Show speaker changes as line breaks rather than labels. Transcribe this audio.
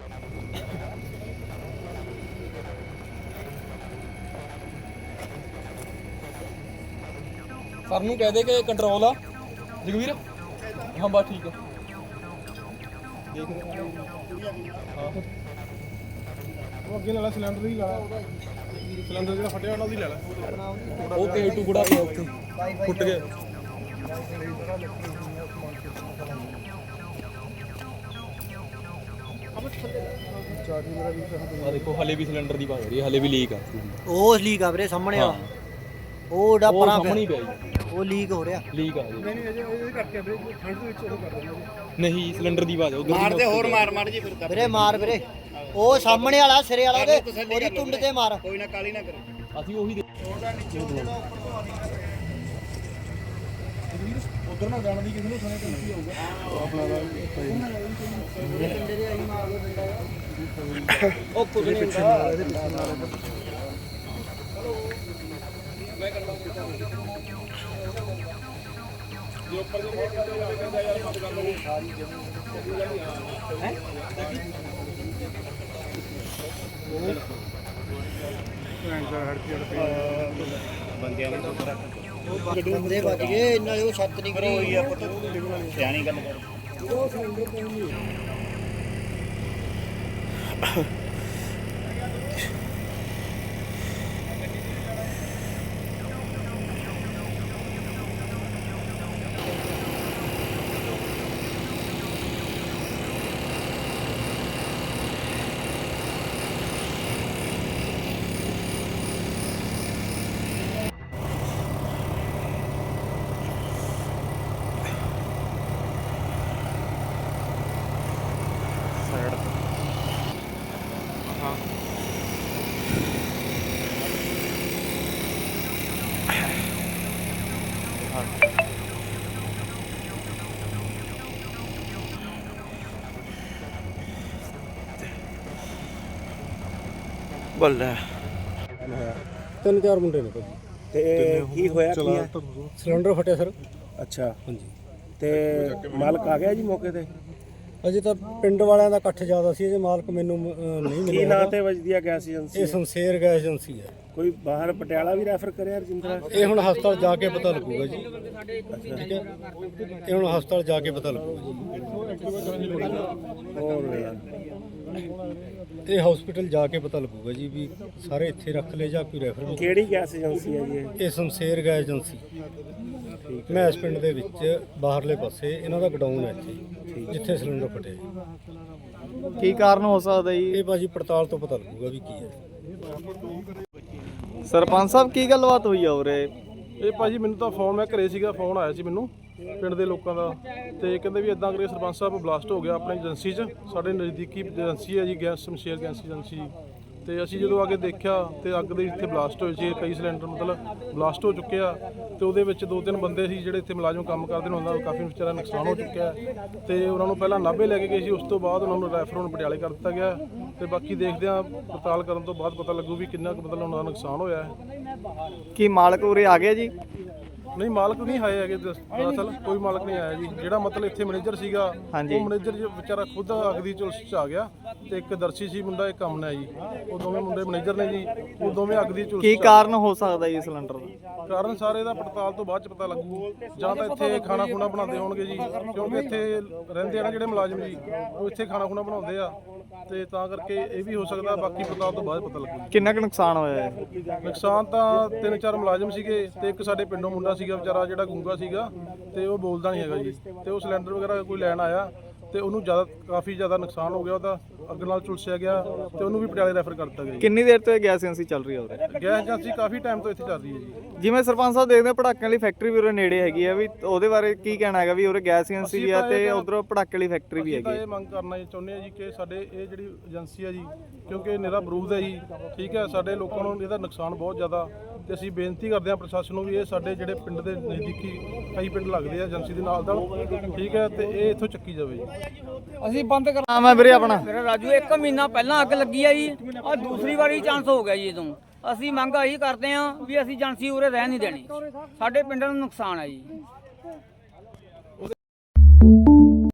Sir नूं कह दे कि कंट्रोल आ जगवीर। हाँ बस ठीक है। देख हाँ वो अगे ला सिलेंडर ही ला सिलेंडर जो फटिया वाला ला वो के टुकड़ा पिया उत्थे फुट गया। देखो हले भी सिलेंडर की बात हो रही है, हले भी लीक आ।
ਉਹ ਲੀਕ ਆ ਵੀਰੇ ਸਾਹਮਣੇ ਆ ਉਹ ਡਾ ਪਰਾਂ
ਸਾਹਮਣੇ ਪਿਆ
ਉਹ ਲੀਕ ਹੋ ਰਿਹਾ।
ਲੀਕ ਆ ਨਹੀਂ ਅਜੇ ਇਹਦੇ ਕਰਕੇ ਵੀਰੇ ਠੰਡ ਦੇ ਵਿੱਚ ਉਹ ਕਰ ਦਿੰਦੇ ਨਹੀਂ ਸਿਲੰਡਰ ਦੀ ਆਵਾਜ਼ ਉਧਰ
ਮਾਰ ਦੇ ਹੋਰ ਮਾਰ ਜੀ ਫਿਰ
ਵੀਰੇ ਮਾਰ ਵੀਰੇ ਉਹ ਸਾਹਮਣੇ ਵਾਲਾ ਸਿਰੇ ਵਾਲਾ ਦੇ ਉਹਦੀ ਟੁੰਡ ਤੇ ਮਾਰ।
ਕੋਈ ਨਾ ਕਾਲੀ ਨਾ ਕਰੋ
ਅਸੀਂ ਉਹੀ ਉਧਰ ਨਾ ਜਾਣ ਦੀ ਕਿਸੇ ਨੂੰ ਸੁਣੇ ਤਾਂ ਕੀ ਹੋਊਗਾ ਆਪਣਾ ਦਾ ਉਹ ਕੁਝ ਨਹੀਂ ਹੁੰਦਾ ਇਹਦੇ ਪਿੱਛੇ ਨਾਲ ਮੈਂ ਕਰਦਾ ਜੇ ਉੱਪਰ ਦੇ ਮੋਟਰ ਤੇ ਕਹਿੰਦਾ ਯਾਰ ਮਤ ਕਰ ਲਓ ਸਾਰੀ ਜਮੀਨ ਹੈ ਬੰਦਿਆਂ ਨੇ
ਬੰਦੇ ਵੱਜ ਗਏ ਨਾਲੇ ਉਹ ਛੱਤ ਨਹੀਂ ਕਰੀ
ਹੋਈ ਆ ਪੁੱਤ ਸਿਆਣੀ ਗੱਲ ਕਰ
ਬੱਲੇ
3-4 ਮੁੰਡੇ ਨੇ ਭਾਜੀ
ਤੇ ਕੀ ਹੋਇਆ ਕੀ ਹੈ?
ਸਿਲੰਡਰ ਫਟਿਆ ਸਰ।
ਅੱਛਾ
ਹਾਂਜੀ
ਤੇ ਮਾਲਕ ਆ ਗਿਆ ਜੀ ਮੌਕੇ ਤੇ?
ਅਜੇ ਤਾਂ ਪਿੰਡ ਵਾਲਿਆਂ ਦਾ ਇਕੱਠ ਜ਼ਿਆਦਾ ਸੀ, ਅਜੇ ਮਾਲਕ ਮੈਨੂੰ ਨਹੀਂ
ਕੀ
ਮਿਲਿਆ।
ਨਾਂ ਤੇ ਵੱਜਦੀ ਆ ਗੈਸ ਏਜੰਸੀ?
ਇਹ ਸ਼ਮਸ਼ੇਰ ਗੈਸ ਏਜੰਸੀ ਹੈ।
ਕੋਈ ਬਾਹਰ ਪਟਿਆਲਾ ਵੀ ਰੈਫਰ ਕਰਿਆ ਰਜਿੰਦਰਾ?
ਇਹ ਹੁਣ ਹਸਪਤਾਲ ਜਾ ਕੇ ਪਤਾ ਲੱਗੂਗਾ ਜੀ। ਠੀਕ ਹੈ ਇਹ ਹੁਣ ਹਸਪਤਾਲ ਜਾ ਕੇ ਪਤਾ ਲੱਗੂਗਾ
ਹੋਰ
ਜੀ। ਇਹ ਹਸਪੀਟਲ ਜਾ ਕੇ ਪਤਾ ਲੱਗੂਗਾ ਜੀ ਵੀ ਸਾਰੇ ਇੱਥੇ ਰੱਖ ਲਏ ਜਾਂ ਕੋਈ ਰੈਫਰ ਵੀ।
ਕਿਹੜੀ ਗੈਸ ਏਜੰਸੀ ਹੈ ਜੀ ਇਹ?
ਇਹ ਸ਼ਮਸ਼ੇਰ ਗੈਸ ਏਜੰਸੀ ਮੈਂ ਇਸ ਪਿੰਡ ਦੇ ਵਿੱਚ ਬਾਹਰਲੇ ਪਾਸੇ ਇਹਨਾਂ ਦਾ ਗਡਾਊਨ ਹੈ ਇੱਥੇ ਜਿੱਥੇ ਸਿਲੰਡਰ ਫਟਿਆ।
ਕੀ ਕਾਰਨ ਹੋ ਸਕਦਾ ਜੀ?
ਇਹ ਭਾਜੀ ਪੜਤਾਲ ਤੋਂ ਪਤਾ ਲੱਗੂਗਾ ਵੀ ਕੀ ਹੈ।
ਸਰਪੰਚ ਸਾਹਿਬ ਕੀ ਗੱਲਬਾਤ ਹੋਈ ਆ ਉਰੇ?
ਇਹ ਭਾਜੀ ਮੈਨੂੰ ਤਾਂ ਫੋਨ ਮੈਂ ਘਰੇ ਸੀਗਾ, ਫੋਨ ਆਇਆ ਸੀ ਮੈਨੂੰ ਪਿੰਡ ਦੇ ਲੋਕਾਂ ਦਾ ਤੇ ਕਹਿੰਦੇ ਵੀ ਇਦਾਂ ਕਰਕੇ ਸਰਪੰਚ ਸਾਹਿਬ ਬਲਾਸਟ ਹੋ ਗਿਆ ਆਪਣੀ ਏਜੰਸੀ 'ਚ। ਸਾਡੇ ਨਜ਼ਦੀਕੀ ਏਜੰਸੀ ਹੈ ਜੀ ਗੈਸ ਸ਼ਮਸ਼ੇਰ ਗੈਸ ਏਜੰਸੀ। ਤੇ ਅਸੀਂ ਜਦੋਂ ਆ ਕੇ ਦੇਖਿਆ ਤੇ ਅੱਗ ਦੇ ਇੱਥੇ ਬਲਾਸਟ ਹੋਏ ਸੀ, ਕਈ ਸਿਲੰਡਰ ਮਤਲਬ ਬਲਾਸਟ ਹੋ ਚੁੱਕੇ ਆ ਤੇ ਉਹਦੇ ਵਿੱਚ 2-3 ਬੰਦੇ ਸੀ ਜਿਹੜੇ ਇੱਥੇ ਮੁਲਾਜ਼ਮ ਕੰਮ ਕਰਦੇ ਨੇ, ਉਹਨਾਂ ਦਾ ਕਾਫੀ ਵਿਚਾਰਾ ਨੁਕਸਾਨ ਹੋ ਚੁੱਕਿਆ ਤੇ ਉਹਨਾਂ ਨੂੰ ਪਹਿਲਾਂ ਨਾਭੇ ਲੈ ਕੇ ਗਏ ਸੀ, ਉਸ ਤੋਂ ਬਾਅਦ ਉਹਨਾਂ ਨੂੰ ਰੈਫਰ ਹੁਣ ਪਟਿਆਲੇ ਕਰ ਦਿੱਤਾ ਗਿਆ ਤੇ ਬਾਕੀ ਦੇਖਦੇ ਆ ਪੜਤਾਲ ਕਰਨ ਤੋਂ ਬਾਅਦ ਪਤਾ ਲੱਗੂ ਵੀ ਕਿੰਨਾ ਕੁ ਮਤਲਬ ਉਹਨਾਂ ਦਾ ਨੁਕਸਾਨ ਹੋਇਆ ਹੈ।
ਕੀ ਮਾਲਕ ਉਰੇ ਆ ਗਿਆ ਜੀ?
ਨਹੀਂ ਮਾਲਕ ਨਹੀਂ ਆਏ ਹੈਗੇ ਦਰਅਸਲ, ਕੋਈ ਮਾਲਕ ਨਹੀਂ ਆਇਆ ਜੀ। ਜਿਹੜਾ ਮਤਲਬ ਇੱਥੇ ਮੈਨੇਜਰ ਸੀਗਾ ਉਹ ਮੈਨੇਜਰ ਵਿਚਾਰਾ ਖੁਦ ਅੱਗ ਦੀ ਝੁਲਸ 'ਚ ਆ ਗਿਆ ਤੇ ਇੱਕ ਦਰਸ਼ੀ ਸੀ ਮੁੰਡਾ, ਇੱਕ ਅਮਨ ਹੈ ਜੀ। ਉਹ ਦੋਵੇਂ ਮੁੰਡੇ ਮੈਨੇਜਰ ਨੇ ਜੀ, ਉਹ ਦੋਵੇਂ ਅੱਗ ਦੀ ਝੁਲਸ।
ਕੀ ਕਾਰਨ ਹੋ ਸਕਦਾ ਜੀ ਸਿਲੰਡਰ ਦਾ?
ਕਾਰਨ ਸਾਰੇ ਦਾ ਪੜਤਾਲ ਤੋਂ ਬਾਅਦ ਚ ਪਤਾ ਲੱਗੂ। ਜਾਂ ਤਾਂ ਇੱਥੇ ਖਾਣਾ ਖੁਣਾ ਬਣਾਉਂਦੇ ਹੋਣਗੇ ਜੀ, ਕਿਉਂਕਿ ਇੱਥੇ ਰਹਿੰਦੇ ਆ ਨਾ ਜਿਹੜੇ ਮੁਲਾਜ਼ਮ ਜੀ, ਉਹ ਇੱਥੇ ਖਾਣਾ ਖੁਣਾ ਬਣਾਉਂਦੇ ਆ ਤੇ ਤਾਂ ਕਰਕੇ ਇਹ ਵੀ ਹੋ ਸਕਦਾ। ਬਾਕੀ ਪੜਤਾਲ ਤੋਂ ਬਾਅਦ ਪਤਾ ਲੱਗੂ।
ਕਿੰਨਾ ਕੁ ਨੁਕਸਾਨ ਹੋਇਆ ਹੈ?
ਨੁਕਸਾਨ ਤਾਂ 3-4 ਮੁਲਾਜ਼ਮ ਸੀਗੇ ਤੇ ਇੱਕ ਸਾਡੇ ਪਿੰਡੋਂ ਮੁੰਡਾ ਸੀਗਾ ਵਿਚਾਰਾ ਜਿਹੜਾ ਗੂੰਗਾ ਸੀਗਾ ਤੇ ਉਹ ਬੋਲਦਾ ਨਹੀਂ ਹੈਗਾ ਜੀ। ਤੇ ਉਹ ਸਿਲੰਡਰ ਵਗੈਰਾ ਕੋਈ ਲੈਣ ਆਇਆ ਤੇ ਉਹਨੂੰ ਕਾਫੀ ਜ਼ਿਆਦਾ ਨੁਕਸਾਨ ਹੋ ਗਿਆ, ਉਹਦਾ ਅੱਗ ਨਾਲ ਝੁਲਸਿਆ ਗਿਆ ਤੇ ਉਹਨੂੰ ਵੀ ਪਟਿਆਲੇ ਰੈਫਰ ਕਰ ਦਿੱਤਾ ਗਿਆ।
ਕਿੰਨੀ ਦੇਰ ਤੋਂ ਇਹ ਗੈਸ ਏਜੰਸੀ ਚੱਲ ਰਹੀ ਹੈ ਉਰੇ?
ਗੈਸ ਏਜੰਸੀ ਕਾਫੀ ਟਾਈਮ ਤੋਂ ਇੱਥੇ ਚੱਲ ਰਹੀ ਹੈ ਜੀ।
ਜਿਵੇਂ ਸਰਪੰਚ ਸਾਹਿਬ ਦੇਖਦੇ ਪਟਾਕਿਆਂ ਵਾਲੀ ਫੈਕਟਰੀ ਵੀ ਉਰੇ ਨੇੜੇ ਹੈਗੀ ਆ, ਵੀ ਉਹਦੇ ਬਾਰੇ ਕੀ ਕਹਿਣਾ ਹੈਗਾ ਵੀ ਉਰੇ ਗੈਸ ਏਜੰਸੀ ਵੀ ਆ ਤੇ ਉਧਰੋਂ ਪਟਾਕੇ ਵਾਲੀ ਫੈਕਟਰੀ ਵੀ ਹੈਗੀ?
ਇਹ ਮੰਗ ਕਰਨਾ ਚਾਹੁੰਦੇ ਆ ਜੀ ਕਿ ਸਾਡੇ ਇਹ ਜਿਹੜੀ ਏਜੰਸੀ ਹੈ ਜੀ, ਕਿਉਂਕਿ ਨਿਰਾ ਬਰੂਦ ਹੈ ਜੀ, ਠੀਕ ਹੈ, ਸਾਡੇ ਲੋਕਾਂ ਨੂੰ ਇਹਦਾ ਨੁਕਸਾਨ ਬਹੁਤ ਜ਼ਿਆਦਾ ਤੇ ਅਸੀਂ ਬੇਨਤੀ ਕਰਦੇ ਹਾਂ ਪ੍ਰਸ਼ਾਸਨ ਨੂੰ ਵੀ ਇਹ ਸਾਡੇ ਜਿਹੜੇ ਪਿੰਡ ਦੇ ਨਜ਼ਦੀਕੀ ਕਈ ਪਿੰਡ ਲੱਗਦੇ ਆ ਏਜੰਸੀ ਦੇ ਨਾਲ, ਠੀਕ ਹੈ, ਤੇ ਇਹ ਇੱਥੋਂ ਚੱਕੀ ਜਾਵੇ ਜੀ।
ਅਸੀਂ ਬੰਦ ਕਰ ਨਾਮ ਹੈ ਵੀਰੇ ਆਪਣਾ?
ਮੇਰਾ ਰਾਜੂ। 1 ਮਹੀਨਾ ਪਹਿਲਾਂ ਅੱਗ ਲੱਗੀ ਆ ਜੀ, ਆ ਦੂਸਰੀ ਵਾਰੀ ਚਾਂਸ ਹੋ ਗਿਆ ਜੀ। ਜਦੋਂ ਅਸੀਂ ਮੰਗ ਇਹੀ ਕਰਦੇ ਆ ਵੀ ਅਸੀਂ ਏਜੰਸੀ ਉਰੇ ਰਹਿ ਨਹੀਂ ਦੇਣੀ, ਸਾਡੇ ਪਿੰਡ ਨੂੰ ਨੁਕਸਾਨ ਹੈ ਜੀ।